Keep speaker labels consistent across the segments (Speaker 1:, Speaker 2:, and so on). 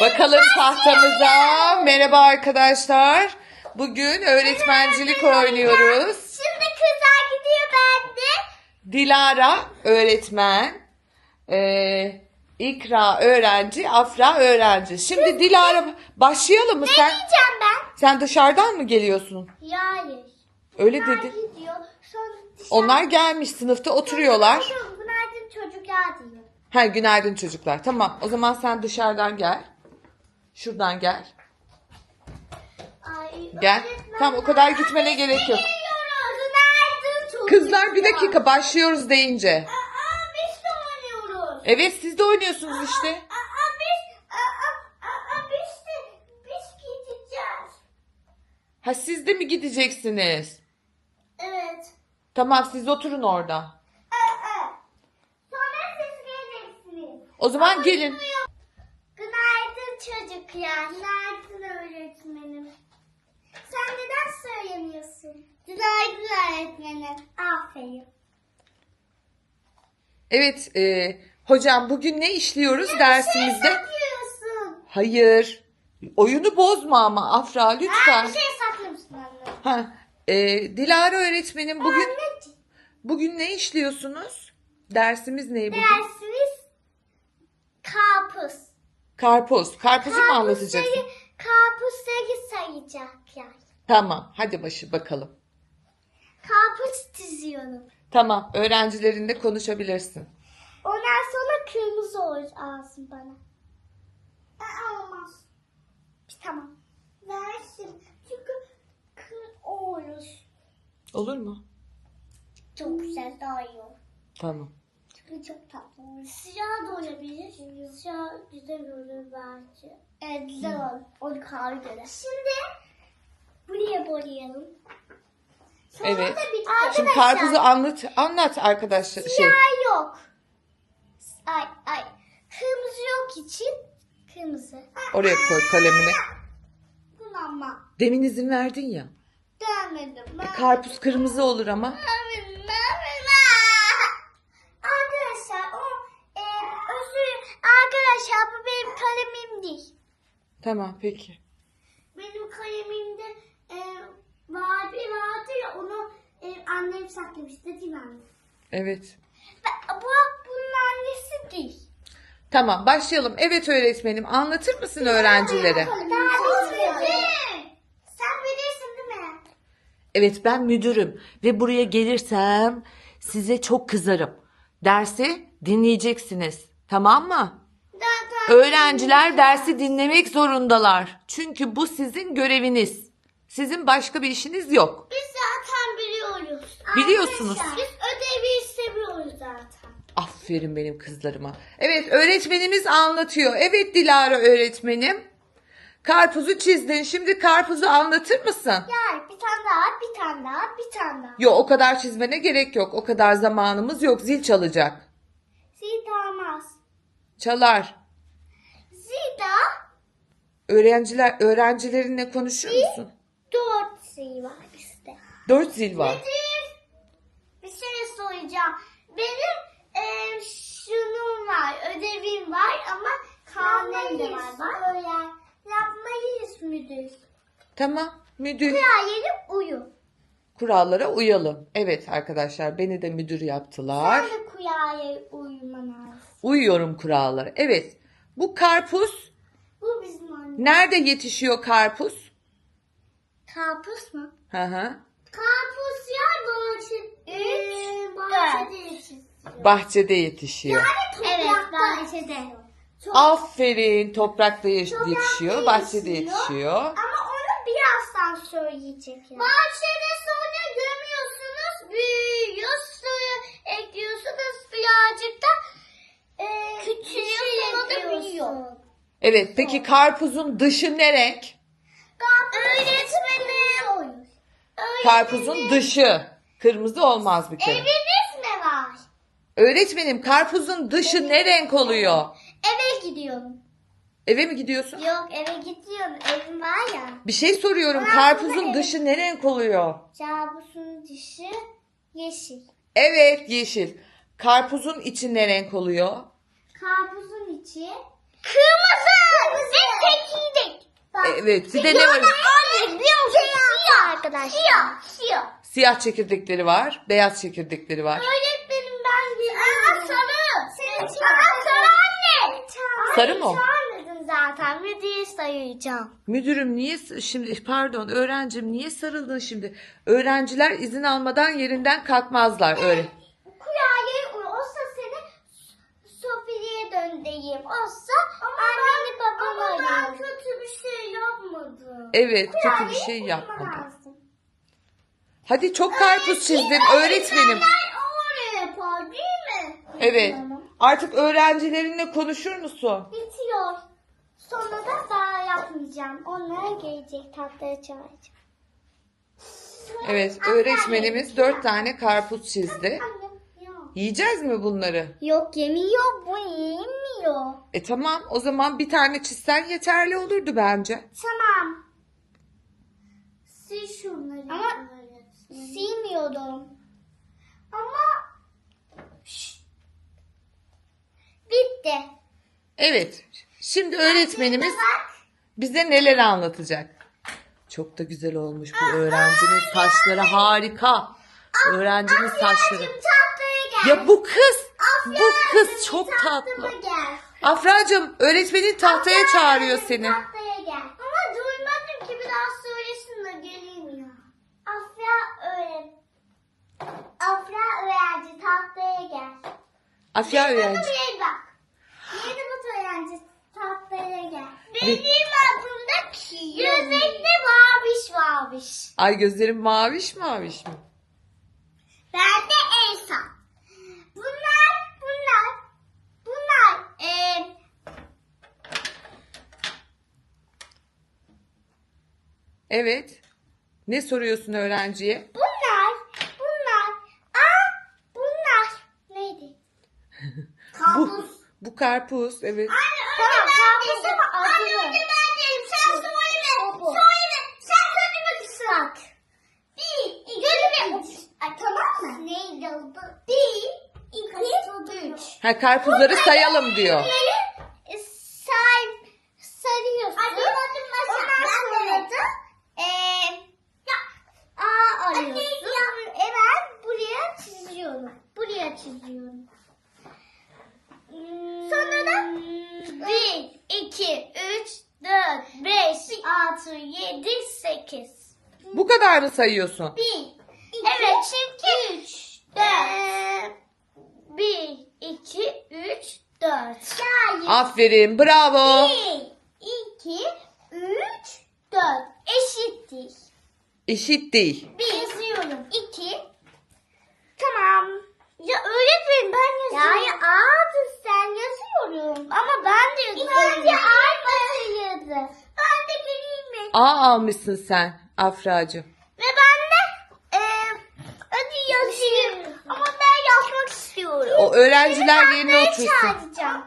Speaker 1: Bakalım tahtamıza. Merhaba arkadaşlar. Bugün öğretmencilik oynuyoruz.
Speaker 2: Şimdi kızlar gidiyor bende.
Speaker 1: Dilara öğretmen, İkra öğrenci, Afra öğrenci. Şimdi Dilara başlayalım mı sen?
Speaker 2: Ne diyeceğim ben?
Speaker 1: Sen dışarıdan mı geliyorsun?
Speaker 2: Hayır.
Speaker 1: Öyle
Speaker 2: Bunlar
Speaker 1: dedi.
Speaker 2: gidiyor. Sonra dışarı...
Speaker 1: Onlar gelmiş sınıfta oturuyorlar.
Speaker 2: Günaydın çocuklar diyor.
Speaker 1: Ha, günaydın çocuklar. Tamam, o zaman sen dışarıdan gel. Şuradan gel.
Speaker 2: Ay,
Speaker 1: Gel.
Speaker 2: öğretmen,
Speaker 1: Tamam, o kadar gitmene gerek yok.
Speaker 2: geliyoruz. Günaydın çocuklar.
Speaker 1: Kızlar bir dakika, başlıyoruz deyince.
Speaker 2: Biz de oynuyoruz.
Speaker 1: Evet, siz de oynuyorsunuz işte.
Speaker 2: Biz gideceğiz.
Speaker 1: Ha, siz de mi gideceksiniz?
Speaker 2: Evet.
Speaker 1: Tamam, siz oturun orada.
Speaker 2: Sonra siz geleceksiniz.
Speaker 1: O zaman gelin.
Speaker 2: Günaydın çocuklar. Günaydın öğretmenim. Sen neden söylemiyorsun? Günaydın öğretmenim. Aferin.
Speaker 1: Evet, hocam bugün ne işliyoruz dersimizde?
Speaker 2: Saklıyorsun.
Speaker 1: Hayır. Oyunu bozma ama Afra, lütfen.
Speaker 2: Bir şey saklıyorsun anne.
Speaker 1: Ha, Dilara öğretmenim bugün
Speaker 2: Anneciğim.
Speaker 1: bugün ne işliyorsunuz? Dersimiz ne bugün?
Speaker 2: Dersiniz karpuz.
Speaker 1: Karpuz. Karpuzu mu anlatacaksın?
Speaker 2: Karpuzları sayacaklar.
Speaker 1: Tamam, hadi bakalım.
Speaker 2: Karpuz diziyorum.
Speaker 1: Tamam, öğrencilerinle konuşabilirsin.
Speaker 2: Ondan sonra kırmızı olsun bana. Olmaz. Tamam. Versin. Çünkü olur.
Speaker 1: Olur mu?
Speaker 2: Çok güzel, daha iyi olur.
Speaker 1: Tamam.
Speaker 2: Çünkü çok tatlı olur. Siyah da olabilir. Siyah güzel olur bence. Evet, güzel olur. O kadar göre. Şimdi buraya boyayalım. Sonra
Speaker 1: Evet.
Speaker 2: da bitti.
Speaker 1: Şimdi karpuzu anlat arkadaşlar.
Speaker 2: Siyah yok. Ay. Kırmızı yok için. Kırmızı.
Speaker 1: Oraya koy kalemini.
Speaker 2: Bunu ama.
Speaker 1: Demin izin verdin ya.
Speaker 2: Demedim.
Speaker 1: Karpuz kırmızı olur ama.
Speaker 2: Arkadaşlar arkadaşlar bu benim kalemim değil.
Speaker 1: Tamam, peki.
Speaker 2: Benim kalemimde vardı ya, onu annem saklamıştı değil mi anne?
Speaker 1: Evet.
Speaker 2: Bunun annesi değil.
Speaker 1: Tamam, başlayalım. Evet öğretmenim, anlatır mısın öğrencilere?
Speaker 2: Sen bilirsin değil mi?
Speaker 1: Evet, ben müdürüm ve buraya gelirsem size çok kızarım. Dersi dinleyeceksiniz. Tamam mı? Öğrenciler dersi dinlemek zorundalar. Çünkü bu sizin göreviniz. Sizin başka bir işiniz yok.
Speaker 2: Biz zaten biliyoruz.
Speaker 1: Biliyorsunuz.
Speaker 2: Arkadaşlar, biz ödevi seviyoruz zaten.
Speaker 1: Aferin benim kızlarıma. Evet, öğretmenimiz anlatıyor. Evet Dilara öğretmenim. Karpuzu çizdin. Şimdi karpuzu anlatır mısın?
Speaker 2: Yani bir tane daha.
Speaker 1: Yok, o kadar çizmene gerek yok. O kadar zamanımız yok. Zil çalacak.
Speaker 2: Zida olmaz.
Speaker 1: Çalar.
Speaker 2: Zida
Speaker 1: Öğrencilerinle konuşuyor musun?
Speaker 2: 4 şey var bizde.
Speaker 1: 4 zil var.
Speaker 2: Bir şey soracağım. Benim şunum var, ödevim var ama karnem de var. Öyle yapmayız müdür.
Speaker 1: Tamam, müdür.
Speaker 2: Kurallara uyu.
Speaker 1: Kurallara uyalım. Evet arkadaşlar, beni de müdür yaptılar.
Speaker 2: Sen de kurallara uyuman lazım.
Speaker 1: Uyuyorum kurallara. Evet. Bu karpuz
Speaker 2: Bu bizim anne.
Speaker 1: nerede yetişiyor karpuz?
Speaker 2: Karpuz mu?
Speaker 1: Hı hı.
Speaker 2: Karpuz ya bahçede yetişiyor.
Speaker 1: Bahçede yetişiyor.
Speaker 2: Evet, bahçede.
Speaker 1: Aferin, toprakta yetişiyor, bahçede yetişiyor.
Speaker 2: Ama onu birazdan söyleyecek. Bahçede sonra gömüyorsunuz, büyüyor, suyu ekliyorsunuz, birazcık da küçülüyor, sonra da büyüyor.
Speaker 1: Evet, peki karpuzun dışı ne renk?
Speaker 2: Öğretmenim.
Speaker 1: Karpuzun dışı. Kırmızı olmaz bir kere.
Speaker 2: Eviniz mi var?
Speaker 1: Öğretmenim, karpuzun dışı ne renk oluyor?
Speaker 2: Eve gidiyorum.
Speaker 1: Eve mi gidiyorsun?
Speaker 2: Yok, eve gidiyorum. Evim var ya.
Speaker 1: Bir şey soruyorum. Karpuzun dışı ne renk oluyor?
Speaker 2: Kabusun dışı yeşil.
Speaker 1: Evet, yeşil. Karpuzun içi ne renk oluyor?
Speaker 2: Karpuzun içi kırmızı.
Speaker 1: Evet. Bir de ne var?
Speaker 2: Anne biliyor musun? Siyah arkadaşlar. Siyah.
Speaker 1: Siyah çekirdekleri var. Beyaz çekirdekleri var.
Speaker 2: Öğretmenim ben bilmiyorum. Sarı. Sarı anne.
Speaker 1: Sarı mı o?
Speaker 2: Çağırmadın zaten. Müdüğü sayacağım.
Speaker 1: Müdürüm niye şimdi pardon öğrencim niye sarıldın şimdi? Öğrenciler izin almadan yerinden kalkmazlar öyle.
Speaker 2: Kurabiye olsa seni Sofi'ye döndüreyim. Olsa anneni babamı arıyorum. Ama ben kötü bir şey yapmadım.
Speaker 1: Evet kötü bir şey yapmadın. Hadi çok karpuz çizdin öğretmenim.
Speaker 2: Öyle yapar değil mi?
Speaker 1: Evet. Artık öğrencilerinle konuşur musun?
Speaker 2: Bitiyor. Sonra da daha yapmayacağım. Onlar gelecek tahtaya çağıracağım.
Speaker 1: Evet öğretmenimiz 4 tane karpuz çizdi.
Speaker 2: Annem yok.
Speaker 1: Yiyeceğiz mi bunları?
Speaker 2: Yok yemiyor bu yemiyor.
Speaker 1: Tamam o zaman bir tane çizsen yeterli olurdu bence.
Speaker 2: Tamam. Sil şunları. Ama silmiyordum. Ama bitti.
Speaker 1: Evet şimdi öğretmenimiz bize neler anlatacak? Çok da güzel olmuş bu öğrencinin saçları harika. Öğrencinin saçları.
Speaker 2: Tahtaya gel.
Speaker 1: Ya bu kız çok tatlı.
Speaker 2: Tahtıma gel.
Speaker 1: Afracığım öğretmenin tahtaya çağırıyor seni.
Speaker 2: Tahtaya gel. Ama duymadım ki biraz söylesin de geleyim ya. Afra öğrenci tahtaya gel.
Speaker 1: Afya öğrenci.
Speaker 2: Buraya bak. Yeni bu öğrenci tahtaya gel. Benim adımda ki. Gözlerinde maviş.
Speaker 1: Ay gözlerim maviş maviş mi?
Speaker 2: Ben de Elsa. Bunlar
Speaker 1: Evet. Ne soruyorsun öğrenciye?
Speaker 2: bunlar neydi?
Speaker 1: Bu, bu karpuz evet.
Speaker 2: Tamam karpuz ama adı. Anne ben değilim. Sen söyle. Sen söyleme kısrak. Tamam mı? Neydi adı? 1, 2, 3.
Speaker 1: Ha karpuzları sayalım diyor.
Speaker 2: Sarıyorsun. Ondan sonra da A arıyorsun. Ben buraya çiziyorum. Sonra da 1, 2, 3, 4, 5, 6, 7, 8.
Speaker 1: Bu kadar mı sayıyorsun?
Speaker 2: 1, evet çünkü 3, 4. 1, 2, 3, 4.
Speaker 1: Aferin bravo.
Speaker 2: 1, 2, 3, 4. Eşittir.
Speaker 1: Eşit değil.
Speaker 2: 1 yazıyorum. 2. Tamam. Ya öğretmenim ben yazıyorum. Ya abi sen yazıyorum. Ama ben de yazıyorum. İlk önce aynı yazı. Ben de geleyim mi?
Speaker 1: A almışsın sen Afracığım.
Speaker 2: Ve ben de hadi yazayım. Ama ben yazmak istiyorum.
Speaker 1: O öğrenciler yerine otursun.
Speaker 2: Çağıracağım.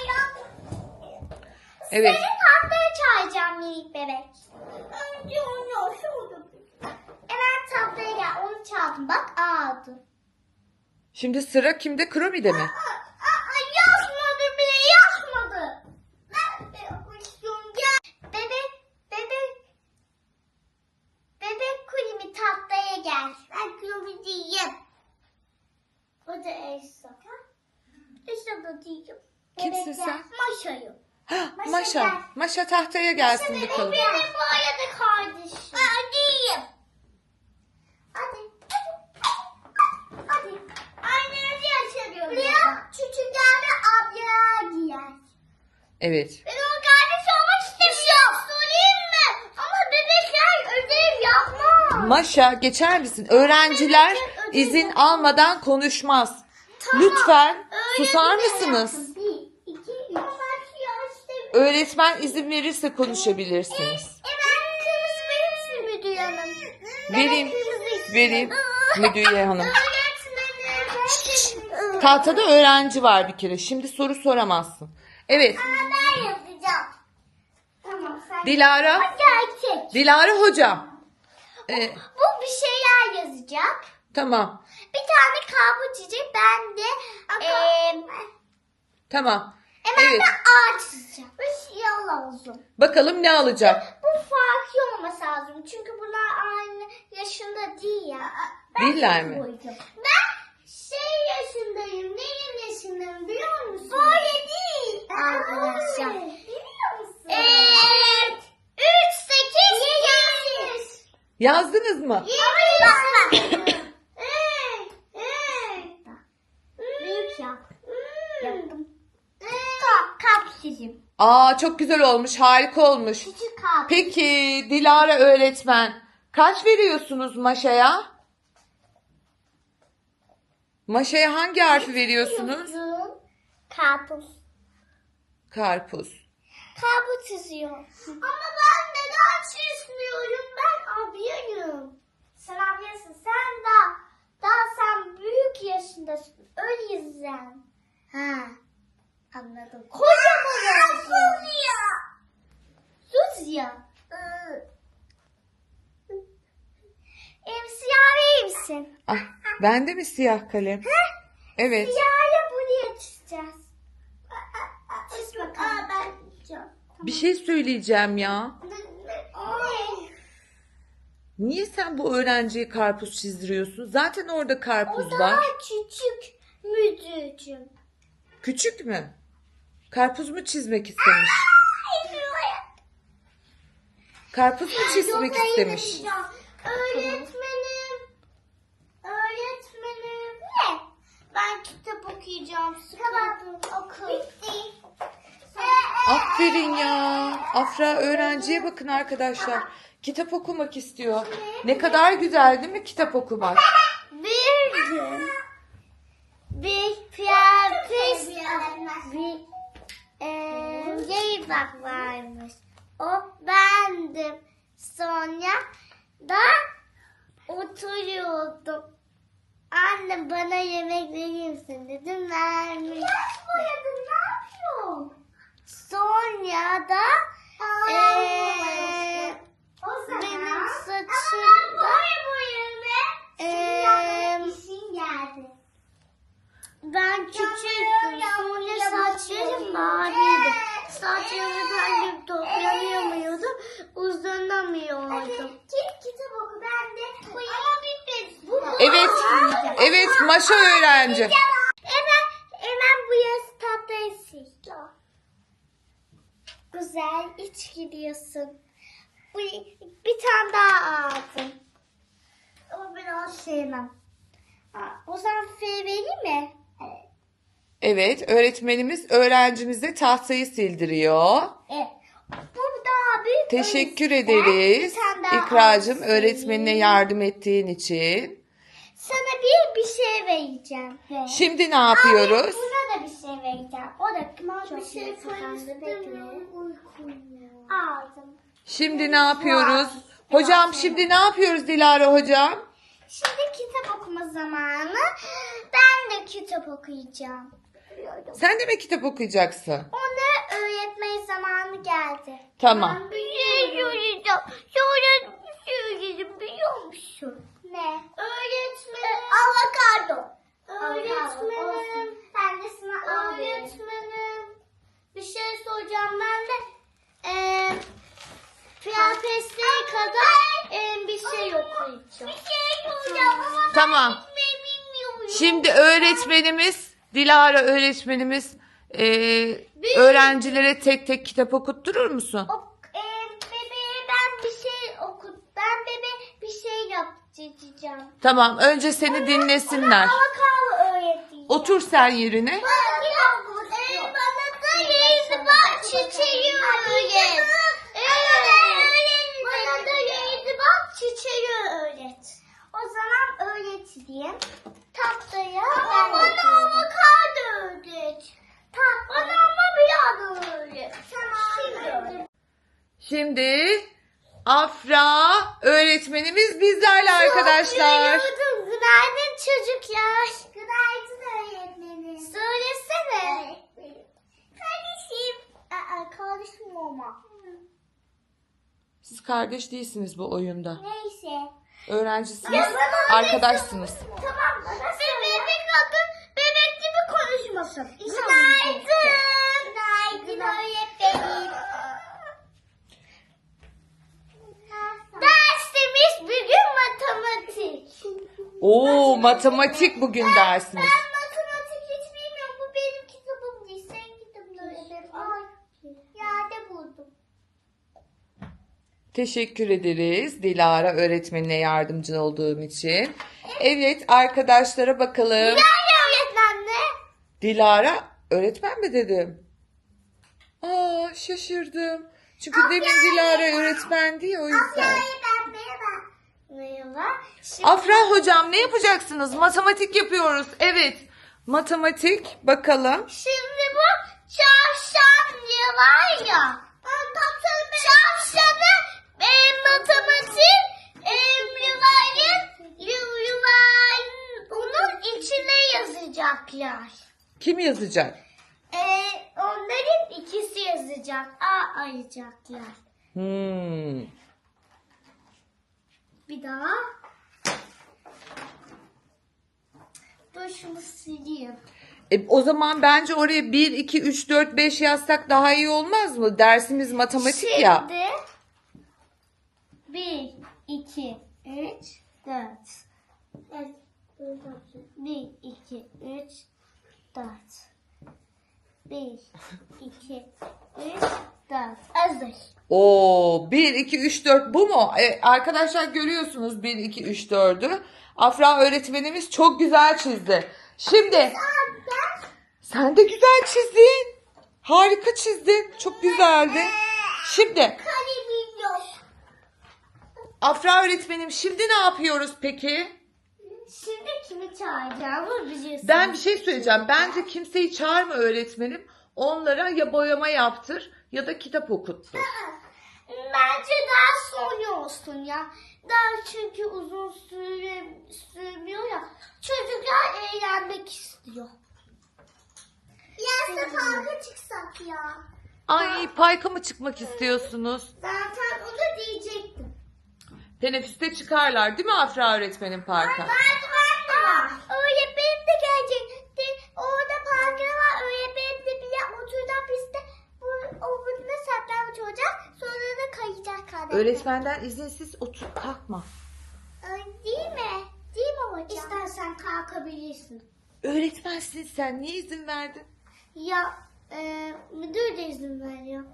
Speaker 1: Evet.
Speaker 2: Seni tahtaya çağıracağım minik bebek. Önce onu şurada. Evet tahtaya gel. Onu çağırdım. Bak A adı.
Speaker 1: Şimdi sıra kimde? Kromi'de mi?
Speaker 2: Yazmadı bile yazmadı. Ben de yapmak istiyorum. Gel. Bebek kulübü tahtaya gel. Ben kulübü diyeyim. O da Elsa. Elsa da diyeyim.
Speaker 1: Kimsin
Speaker 2: Bebek
Speaker 1: sen?
Speaker 2: gel. Maşa'yım.
Speaker 1: Hah,
Speaker 2: Maşa
Speaker 1: Maşa.
Speaker 2: gel.
Speaker 1: Maşa tahtaya gelsin bakalım.
Speaker 2: Benim bu arada kardeşim. Hadi. Hadi. Aynı açabiliyorum. Buraya küçükler de abla giyer.
Speaker 1: Evet.
Speaker 2: Ben o kardeş olmak istemiyorum. Söyleyeyim mi? Ama bebekler ödev yapmaz.
Speaker 1: Maşa geçer misin? Öğrenciler izin almadan konuşmaz. Lütfen susar mısınız?
Speaker 2: 1, 2, 3.
Speaker 1: Öğretmen izin verirse konuşabilirsiniz.
Speaker 2: Kırmızı verir misin Müdüğü Hanım?
Speaker 1: Vereyim. Vereyim. Müdüğe Hanım.
Speaker 2: Öğretmenim.
Speaker 1: Tahtada öğrenci var bir kere. Şimdi soru soramazsın. Evet.
Speaker 2: Ben yazacağım. Tamam sen.
Speaker 1: Dilara.
Speaker 2: Gerçek.
Speaker 1: Dilara hocam.
Speaker 2: Bu bir şeyler yazacak.
Speaker 1: Tamam.
Speaker 2: Bir tane karpuz çizecek. Ben de
Speaker 1: Tamam.
Speaker 2: hemen
Speaker 1: Evet.
Speaker 2: de ağaç çizeceğim. Bir şey lazım.
Speaker 1: Bakalım ne alacak?
Speaker 2: Bu Çünkü bunlar aynı yaşında değil ya.
Speaker 1: Değiller mi?
Speaker 2: Ben yaşındayım. Neyim yaşındayım biliyor musun? Böyle değil. Arkadaşlar. Biliyor musun? 3, 8, 7.
Speaker 1: Yazdınız mı?
Speaker 2: Büyük yap. Yaptım. Kalp sizin.
Speaker 1: Aa, çok güzel olmuş, harika olmuş.
Speaker 2: Küçük kalp.
Speaker 1: Peki Dilara öğretmen, kaç veriyorsunuz Maşa'ya? Maşa'ya hangi harfi veriyorsunuz?
Speaker 2: Karpuz.
Speaker 1: Karpuz.
Speaker 2: Karpuz çiziyor. Ama ben neden çizmiyorum? Ben abiyim. Sen abiyesin. Sen büyük yaşındasın. O yüzden. Ha. Anladım. Kocaman olsun. Sus ya. Siyah verir misin?
Speaker 1: Ah, bende mi siyah kalem? Evet.
Speaker 2: Siyahla buraya çizeceğiz. Çiz bakalım. Ben çizeceğim.
Speaker 1: Bir şey söyleyeceğim ya.
Speaker 2: Ne?
Speaker 1: Niye sen bu öğrenciye karpuz çizdiriyorsun? Zaten orada karpuz
Speaker 2: O daha
Speaker 1: var.
Speaker 2: küçük müdürcüm.
Speaker 1: Küçük mü? Karpuz mu çizmek istemiş? Karpuz mu çizmek istemiş?
Speaker 2: Öğretmenim. Ne? Ben kitap okuyacağım. Tamam. Oku. Bitti.
Speaker 1: Aferin ya. Afra öğrenciye bakın arkadaşlar. Kitap okumak istiyor. Ne kadar güzel değil mi kitap okumak?
Speaker 2: Bir gün bir piyanist bir bak varmış. O bendim. Sonra da oturuyordum. Anne bana yemek verir misin dedim, vermiş. Nasıl boyadın, ne yapıyorsun? Sonra da benim saçımda ben küçüktüm. Sonra saçlarım maviydi. Saçlarımı ben toplayamıyordum. Uzanamıyordum. Kitap oku, ben de ama bitmedi.
Speaker 1: Evet. Evet, Maşa öğrenci.
Speaker 2: Hemen bu yaz tahtayı sil. Güzel iç gidiyorsun. Bir tane daha aldım. Ama ben onu sevmem. O zaman F vereyim mi?
Speaker 1: Evet, öğretmenimiz öğrencimize tahtayı sildiriyor.
Speaker 2: Evet. Bu daha büyük.
Speaker 1: Teşekkür
Speaker 2: o yüzden
Speaker 1: ederiz
Speaker 2: bir tane daha
Speaker 1: İkracığım
Speaker 2: alsın.
Speaker 1: öğretmenine yardım ettiğin için.
Speaker 2: Sana bir şey vereceğim.
Speaker 1: Şimdi ne yapıyoruz?
Speaker 2: Buna da bir şey vereceğim. O da çok bir şey aldım.
Speaker 1: Şimdi ne yapıyoruz? Hocam şimdi ne yapıyoruz Dilara hocam?
Speaker 2: Şimdi kitap okuma zamanı. Ben de kitap okuyacağım.
Speaker 1: Sen de mi kitap okuyacaksın?
Speaker 2: Ona öğretmen zamanı geldi.
Speaker 1: Tamam.
Speaker 2: Bir şey söyleyeceğim. Sonra söyledim biliyor musun? Ne? Öğretmenim. Avokado. Öğretmenim. Ben de sana öğretmenim. Bir şey soracağım ben de. Piyafetliğe kadar bir şey okuyacağım. Bir şey soracağım ama
Speaker 1: Tamam.
Speaker 2: bilmiyorum.
Speaker 1: Şimdi öğretmenimiz, Dilara öğretmenimiz öğrencilere tek tek kitap okutturur musun?
Speaker 2: Bebeğe ben bir şey ben bebeğe bir şey yapacağım.
Speaker 1: Tamam, önce seni dinlesinler.
Speaker 2: Avokado öğreteceğim.
Speaker 1: Otur sen yerine.
Speaker 2: Bana da yeni bak çiçeği öğret. Bana da yeni bak çiçeği öğret. O zaman öğreteyim. Tahtaya ben bana avokado öğret. Bana ama biraz öğret. Tamam.
Speaker 1: Şimdi Afra öğretmenimiz bizlerle arkadaşlar.
Speaker 2: Günaydın çocuklar. Günaydın öğretmenim. Söylesene. Kardeşim. Kardeşim olma.
Speaker 1: Siz kardeş değilsiniz bu oyunda.
Speaker 2: Neyse.
Speaker 1: Öğrencisiniz, arkadaşsınız.
Speaker 2: Tamam. Bebek bakın. Bebek gibi konuşmasın. Günaydın. Günaydın öğretmenim. Ders
Speaker 1: Oo, matematik bugün dersimiz.
Speaker 2: Ben matematik hiç bilmiyorum. Bu benim kitabım değil. Senin kitabın öğretmenim. Ay, yerde buldum.
Speaker 1: Teşekkür ederiz Dilara öğretmenine yardımcı olduğum için. Evet arkadaşlara bakalım.
Speaker 2: Nerede öğretmenle?
Speaker 1: Dilara öğretmen mi dedim? Aa, şaşırdım. Çünkü demin Dilara öğretmendi ya, o yüzden.
Speaker 2: Merhaba. Merhaba. Şimdi
Speaker 1: Afra hocam ne yapacaksınız? Matematik yapıyoruz. Evet. Matematik bakalım.
Speaker 2: Şimdi bu çarşaf diye var ya. Çarşafı matematik yuvarlayın onun içine yazacaklar.
Speaker 1: Kim yazacak?
Speaker 2: Onların ikisi yazacak. A ayacaklar. Bir daha. Dur şunu sileyim.
Speaker 1: O zaman bence oraya 1, 2, 3, 4, 5 yazsak daha iyi olmaz mı? Dersimiz matematik ya.
Speaker 2: Şimdi 1, 2, 3, 4. 1, 2, 3, 4. 1, 2, 3, 4. Hazır.
Speaker 1: Oo, 1, 2, 3, 4 bu mu? Arkadaşlar görüyorsunuz 1, 2, 3, 4'ü. Afra öğretmenimiz çok güzel çizdi. Şimdi sen de güzel çizdin. Harika çizdin. Çok güzeldi. Şimdi
Speaker 2: Kalemim yok.
Speaker 1: Afra öğretmenim şimdi ne yapıyoruz peki?
Speaker 2: Şimdi kimi çağıracağımı biliyorsun.
Speaker 1: Ben bir şey söyleyeceğim. Bence kimseyi çağırma öğretmenim. Onlara ya boyama yaptır ya da kitap okuttur.
Speaker 2: Bence daha sonra olsun ya. Daha çünkü uzun sürmüyor ya. Çocuklar eğlenmek istiyor. Yarısı parka çıksak ya.
Speaker 1: Ay, parka mı çıkmak istiyorsunuz?
Speaker 2: Zaten onu diyecektim.
Speaker 1: Teneffüste çıkarlar değil mi Afra öğretmenim parka?
Speaker 2: Var. Öğretmenim de gelecekti. Orada parkı var. Öğretmenim de bile oturdu pistte. O burada saklanmış olacak. Sonra da kayacak kardeşim.
Speaker 1: Öğretmenden izinsiz otur kalkma.
Speaker 2: Değil mi? Değil mi hocam? İstersen kalkabilirsin.
Speaker 1: Öğretmensin sen, niye izin verdin?
Speaker 2: Ya müdür de izin veriyor.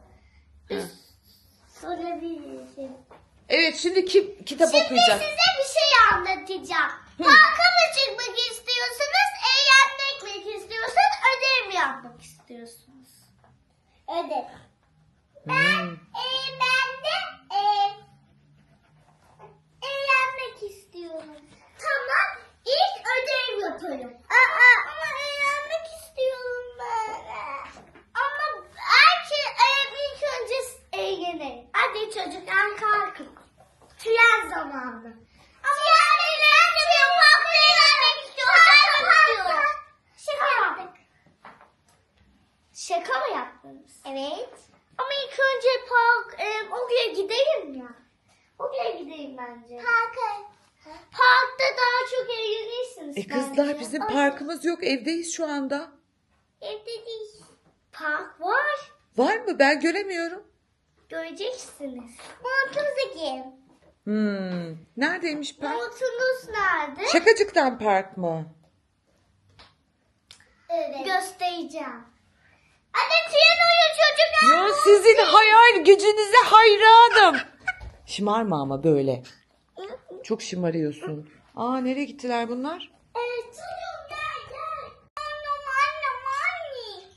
Speaker 2: Sorabilirsin.
Speaker 1: Evet, şimdi kim kitap
Speaker 2: Şimdi
Speaker 1: okuyacak?
Speaker 2: size bir şey anlatacağım. Parka mı çıkmak istiyorsunuz, eğlenmek mi istiyorsunuz, ödev mi yapmak istiyorsunuz? Ödev. Ben de eğlenmek istiyorum. Tamam, ilk ödev yaparım. Ama eğlenmek istiyorum ben. Ama ilk önce eğlenelim. Hadi çocuklar kalkın. Tren zamanı. Tren eğlenmiyor. Parkta eğlenmek istiyorum. Şaka yaptık. Şaka mı yaptınız? Evet. Ama ilk önce oraya gidelim ya. Oraya gidelim bence. Parkta daha çok eğlenirsiniz
Speaker 1: Kızlar
Speaker 2: bence.
Speaker 1: bizim parkımız yok, evdeyiz şu anda.
Speaker 2: Evde değil. Park var.
Speaker 1: Var mı? Ben göremiyorum.
Speaker 2: Göreceksiniz. Montunuzu giyin.
Speaker 1: Neredeymiş park?
Speaker 2: Montunuz nerede?
Speaker 1: Şakacıktan park mı?
Speaker 2: Evet. Göstereceğim. Hadi tren oyun çocuklar.
Speaker 1: Ya sizin hayal gücünüze hayranım. Şımarma ama böyle. Çok şımarıyorsun. Aa, nereye gittiler bunlar?
Speaker 2: Evet. Gel. Anne.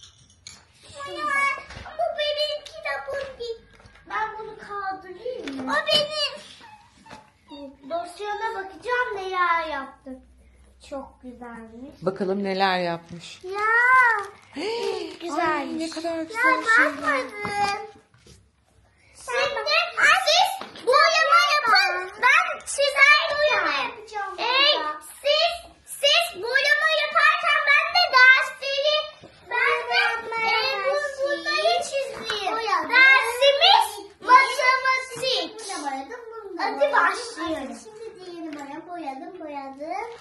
Speaker 2: Bu benim kitabım değil. Ben bunu kaldırayım mı? O benim. Dosyana bakacağım neler yaptım. Çok güzelmiş.
Speaker 1: Bakalım neler yapmış.
Speaker 2: Ya. Güzelmiş.
Speaker 1: Ay, ne kadar güzel şeyler.
Speaker 2: Bakmadım. Şimdi siz boyama yapın. Ben size boyama yapacağım. Siz boyama yaparken ben de dersleri bunları çizeyim. Dersimiz matematik. Hadi başlayalım. Şimdi diğerini boyadım.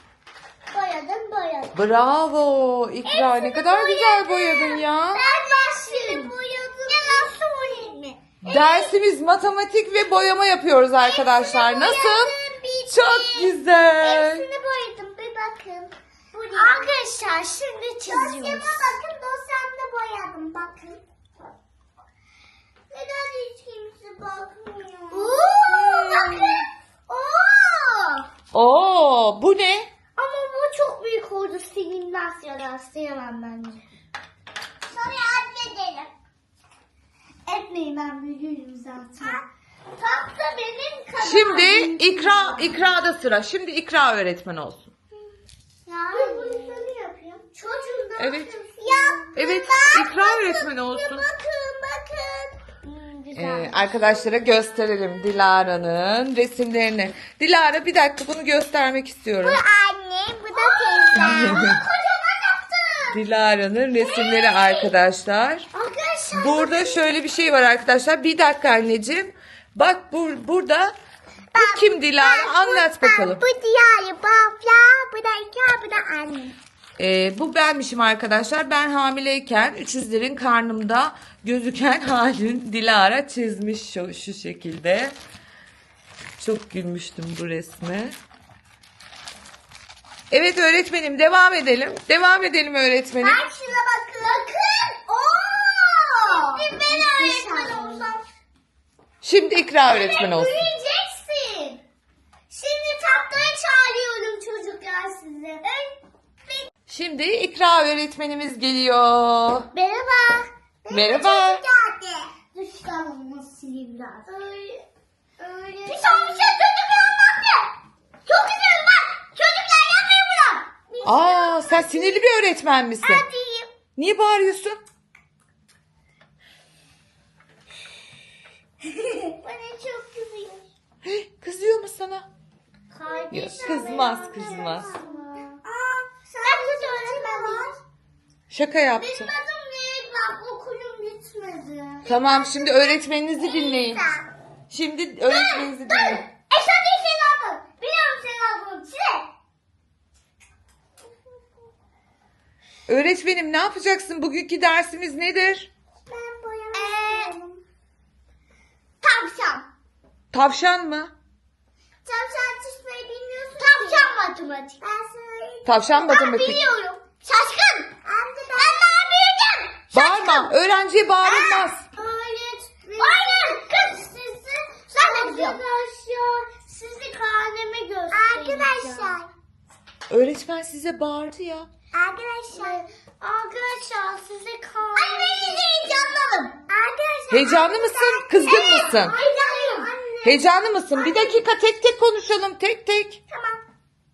Speaker 1: Bravo İkra, ne kadar güzel boyadın ya.
Speaker 2: Ben başlıyorum. Ya nasıl boyayayım mı?
Speaker 1: Dersimiz matematik ve boyama yapıyoruz arkadaşlar. Nasıl?
Speaker 2: Bitti.
Speaker 1: Çok güzel.
Speaker 2: Hepsini boyadım Arkadaşlar şimdi çiziyoruz. Dosyama bakın, dosyamda boyadım bakın. Neden hiç kimse bakmıyor? Bakın.
Speaker 1: Oo, bu ne?
Speaker 2: Ama bu çok büyük oldu. Silinmez ya da siyemem bence. Sonra atledelim. Etmeyin, ben büyüğüm zaten. Tam da benim kadar.
Speaker 1: Şimdi ikrada sıra. Şimdi ikra öğretmen olsun.
Speaker 2: Ben bunu şöyle yapayım. Çocuğum da
Speaker 1: Evet.
Speaker 2: Yaptım.
Speaker 1: Evet, ikra öğretmen olsun.
Speaker 2: Bakın. Güzel.
Speaker 1: Arkadaşlara gösterelim Dilara'nın resimlerini. Dilara, bir dakika, bunu göstermek istiyorum.
Speaker 2: Anne, bu da teyze. Kocaman yaptım.
Speaker 1: Dilara'nın resimleri arkadaşlar.
Speaker 2: Arkadaşlar.
Speaker 1: Burada şöyle bir şey var arkadaşlar. Bir dakika anneciğim. Bak burada bu kim Dilara? Anlat bakalım.
Speaker 2: Bu diğer babla, bu da iki, bu da anne.
Speaker 1: Bu benmişim arkadaşlar. Ben hamileyken üçüzlerin karnımda gözüken halin Dilara çizmiş şu şekilde. Çok gülmüştüm bu resme. Evet öğretmenim, devam edelim. Devam edelim öğretmenim.
Speaker 2: Bak şuna bakın. Bakın. Oo. Şimdi ben öğretmen olsam.
Speaker 1: Şimdi ikra öğretmen olsun.
Speaker 2: Büyüyeceksin. Şimdi tahtaya çağırıyorum çocuklar sizi.
Speaker 1: Şimdi ikra öğretmenimiz geliyor.
Speaker 2: Merhaba.
Speaker 1: Merhaba.
Speaker 2: Geldi. Dur çıkarmamı sileyim biraz. Öyle. Bir şey çocuklar yaptı. Çok güzel bak. Çocuklar yapmayın bunu.
Speaker 1: Aa, sen sinirli bir öğretmen misin?
Speaker 2: Hadi.
Speaker 1: Niye bağırıyorsun?
Speaker 2: Bana çok kızıyor.
Speaker 1: Kızıyor mu sana?
Speaker 2: Kardeşim.
Speaker 1: Yok, kızmaz.
Speaker 2: Sen de öğretmen var.
Speaker 1: Şaka
Speaker 2: Benim
Speaker 1: yaptım.
Speaker 2: adım Nehir, bak okulum bitmedi.
Speaker 1: Tamam, şimdi öğretmeninizi dinleyin. Şimdi öğretmeninizi dinleyin.
Speaker 2: Eşat değil senin adın. Biliyorum senin adını. Çile.
Speaker 1: Öğretmenim, ne yapacaksın? Bugünkü dersimiz nedir?
Speaker 2: Ben boyamak Tavşan.
Speaker 1: Tavşan mı?
Speaker 2: Tavşan çizmeyi bilmiyorsun. Tavşan matematik. Ben söyleyeyim.
Speaker 1: Tavşan matematik.
Speaker 2: Biliyorum. Şaşkın. Ben daha büyüdüm.
Speaker 1: Bağırma. Öğrenciye bağırılmaz.
Speaker 2: Öğretmenim. Aynen. Kız sizi. Sen de biliyorsun. Arkadaşlar sizi karneme göstereceğim. Arkadaşlar.
Speaker 1: Öğretmen size bağırdı ya.
Speaker 2: Arkadaşlar size karneme. Anne beni de heyecanlanım. Arkadaşlar.
Speaker 1: Heyecanlı mısın? Kızgın mısın?
Speaker 2: Heyecanlıyım.
Speaker 1: Heyecanlı mısın? Bir dakika, tek tek konuşalım. Tek tek.
Speaker 2: Tamam.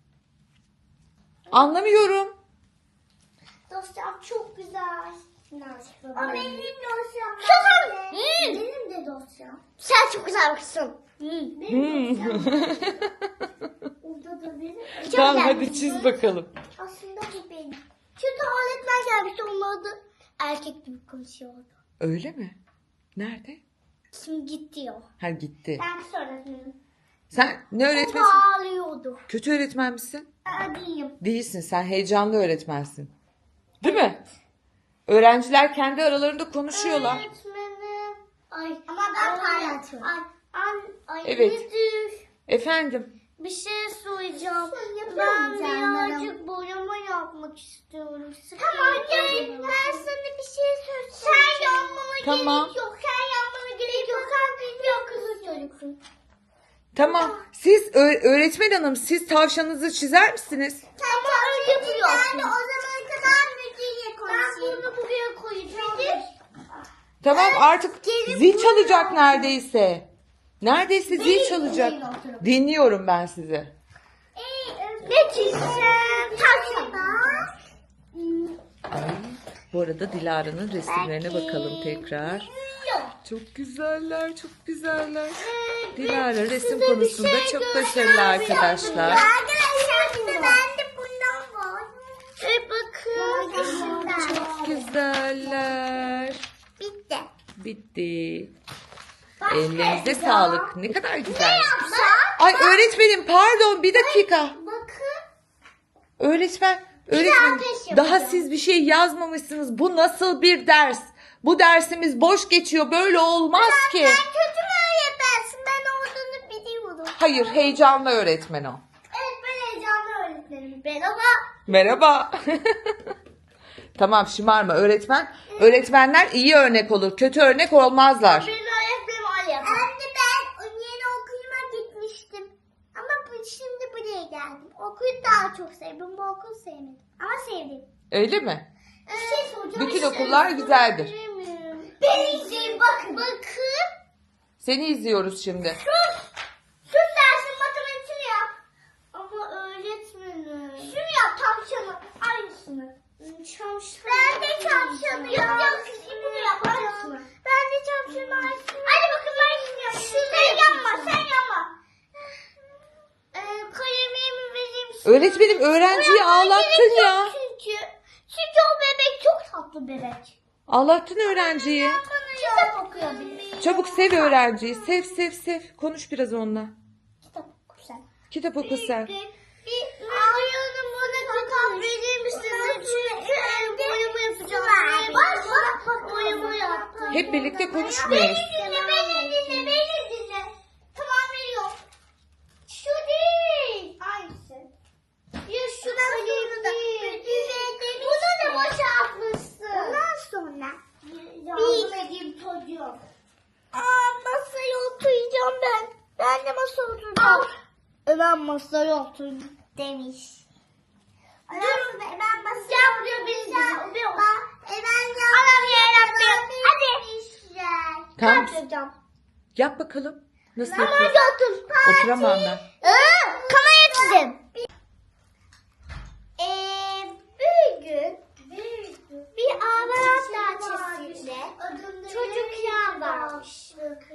Speaker 1: Anlamıyorum.
Speaker 2: Dosyam çok güzel. O benim dosyam. Susun. Benim de dosyam. Sen çok güzel bakıyorsun. Benim dosyam. Orada da benim.
Speaker 1: Tamam, hadi çiz bakalım.
Speaker 2: Aslında bu benim. Çünkü öğretmen gelmişti, onun adı erkek gibi konuşuyordu.
Speaker 1: Öyle mi? Nerede?
Speaker 2: Şimdi gitti o.
Speaker 1: Ha, gitti.
Speaker 2: Ben öğretmenim.
Speaker 1: Sen ne
Speaker 2: O
Speaker 1: öğretmensin?
Speaker 2: ağlıyordu.
Speaker 1: Kötü öğretmen misin?
Speaker 2: Değilim.
Speaker 1: Değilsin. Sen heyecanlı öğretmensin. Değil mi? Öğrenciler kendi aralarında konuşuyorlar.
Speaker 2: Öğretmenim. Ay. Ama ben paylaşıyorum. Ay.
Speaker 1: Evet.
Speaker 2: Müdür.
Speaker 1: Efendim?
Speaker 2: Bir şey söyleyeceğim. Ben birazcık boyama yapmak istiyorum. Tamam gel. Ben sana bir şey söyleyeceğim. Sen yanmana
Speaker 1: Tamam.
Speaker 2: gerek yok. Sen yanmana gerek yok. Sen yok kızı çocuksun.
Speaker 1: Tamam. Siz öğretmen hanım, siz tavşanınızı çizer misiniz?
Speaker 2: Tamam öyle yapıyorsun. Ben de o zamana kadar müdürle konuşayım. Ben bunu buraya koyacağım.
Speaker 1: Tamam, artık
Speaker 2: gelin
Speaker 1: zil
Speaker 2: buraya.
Speaker 1: çalacak neredeyse. Neredeyse zil çalacak.
Speaker 2: dinleyin oturup.
Speaker 1: Dinliyorum ben sizi.
Speaker 2: Ne çizeceğim? Tavşan.
Speaker 1: Ay, bu arada Dilara'nın resimlerine bakalım tekrar. Çok güzeller, çok güzeller. Dilara resim konusunda çok başarılı arkadaşlar.
Speaker 2: Arkadaşlar şimdi bende bundan var. Bakın.
Speaker 1: Çok güzeller.
Speaker 2: Bitti.
Speaker 1: Bitti. Ellerinize sağlık. Ne kadar güzel.
Speaker 2: Yapsak?
Speaker 1: Ay öğretmenim, pardon, bir dakika.
Speaker 2: Bakın.
Speaker 1: Öğretmenim,
Speaker 2: ateş
Speaker 1: daha
Speaker 2: yapacağım.
Speaker 1: siz bir şey yazmamışsınız. Bu nasıl bir ders? Bu dersimiz boş geçiyor. Böyle olmaz ki.
Speaker 2: Sen kötü mü öğretmensin? Ben olduğunu biliyorum.
Speaker 1: Hayır, heyecanlı öğretmen o.
Speaker 2: Evet, ben heyecanlı öğretmenim. Ben ama
Speaker 1: Merhaba. Tamam, şımarma öğretmen. Öğretmenler iyi örnek olur. Kötü örnek olmazlar.
Speaker 2: Benim öğretmenim öyle yapar. Anne ben yeni okuluma gitmiştim. Ama şimdi buraya geldim. Okulu daha çok sevdim. Bu okulu sevmedim. Ama sevdim.
Speaker 1: Öyle mi?
Speaker 2: Bir şey soracağım.
Speaker 1: Bütün okullar güzeldir.
Speaker 2: Ben izleyeyim bakın. Bakın.
Speaker 1: Seni izliyoruz şimdi.
Speaker 2: Sus dersin matematiğini yap. Ama öğretmenim. Şunu yap tavşanı. Aynısını. Ben de tavşanı yap. Bunu yap aynısını. Ben de tavşanı aynısını. Hadi bakın ben gidiyorum. Sen yapma sen yapma. Kalemimi vereyim sana.
Speaker 1: Öğretmenim öğrenciyi ağlattın ya.
Speaker 2: Çünkü o bebek çok tatlı bebek.
Speaker 1: Ağlattın öğrenciyi.
Speaker 2: Kitap okuyabilir.
Speaker 1: Çabuk sev öğrenciyi. Sev sev sev. Konuş biraz onunla.
Speaker 2: Kitap oku sen.
Speaker 1: Kitap oku sen.
Speaker 2: Ayağını bana kitap verir misiniz? Çünkü boyama yapacağım. Bak boyama yaptım.
Speaker 1: Hep birlikte konuşmuyoruz.
Speaker 2: Beni dinle. Tamam veriyorum. Şu değil. Aynısı. Ya şuna değil. Bunu da boşaltmışsın. Ondan sonra. Yardım edeyim çocuğum. Masaya oturacağım ben. Ben de masaya oturacağım. Ben masaya oturayım demiş. Dur ben masaya oturacağım. Hadi.
Speaker 1: Tamam.
Speaker 2: Oturacağım.
Speaker 1: Yap bakalım. Nasıl
Speaker 2: Kamera
Speaker 1: yapıyorsun?
Speaker 2: otur.
Speaker 1: Oturamam ben.
Speaker 2: Kamera çizim. Bir gün bir ağaç bahçesinde çocuklar varmış.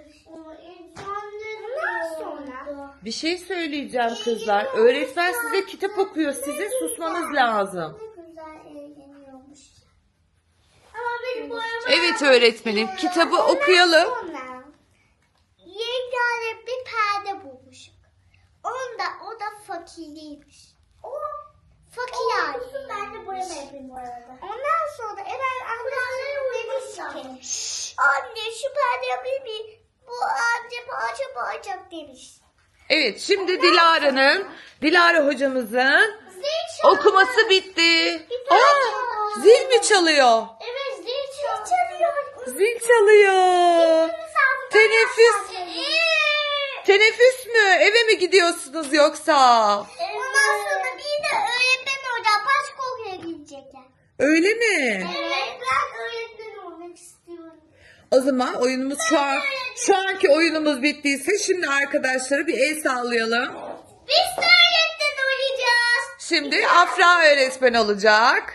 Speaker 2: Ondan sonra
Speaker 1: Bir şey söyleyeceğim kızlar. Öğretmen size kitap okuyor. Sizin susmanız lazım.
Speaker 2: ne güzel eğleniyormuş. Ama benim boyama
Speaker 1: Evet öğretmenim. Kitabı okuyalım.
Speaker 2: sonra yegane bir perde bulmuşum. O da fakirliymiş. O fakir aileymiş. Ben de boyama yapayım bu arada. Ondan sonra Eren annesine demiş ki anne şu perde yapayım mı? Bu anne parça parça demiş.
Speaker 1: Evet şimdi Dilara hocamızın
Speaker 2: Zil çalıyor.
Speaker 1: okuması bitti.
Speaker 2: tane
Speaker 1: Aa,
Speaker 2: çalıyor.
Speaker 1: zil mi çalıyor?
Speaker 2: Evet zil çalıyor.
Speaker 1: Zil çalıyor. Teneffüs. Teneffüs mü? Eve mi gidiyorsunuz yoksa?
Speaker 2: Ondan sonra bir de öğretmen orada başka okula gidecekler.
Speaker 1: Öyle mi?
Speaker 2: Evet ben öğretmen olmak istiyorum.
Speaker 1: O zaman oyunumuz şu anki oyunumuz bittiyse şimdi arkadaşlara bir el sallayalım.
Speaker 2: Biz de öğretmen olacağız.
Speaker 1: Şimdi Afra öğretmen olacak.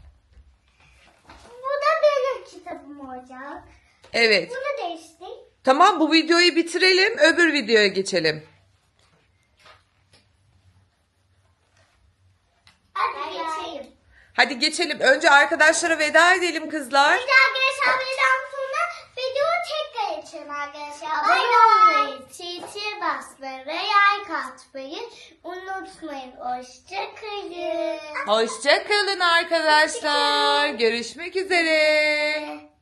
Speaker 2: Bu da benim kitabım olacak.
Speaker 1: Evet.
Speaker 2: Bunu değiştik.
Speaker 1: Tamam bu videoyu bitirelim. Öbür videoya geçelim.
Speaker 2: Hadi geçeyim.
Speaker 1: Hadi geçelim. Önce arkadaşlara veda edelim kızlar.
Speaker 2: Bir de arkadaşlar videodan sonra videoyu tekrar açın arkadaşlar. Abone olmayı, çiçeğe basmayı ve like atmayı unutmayın. Hoşçakalın.
Speaker 1: Hoşça kalın arkadaşlar. Görüşmek üzere.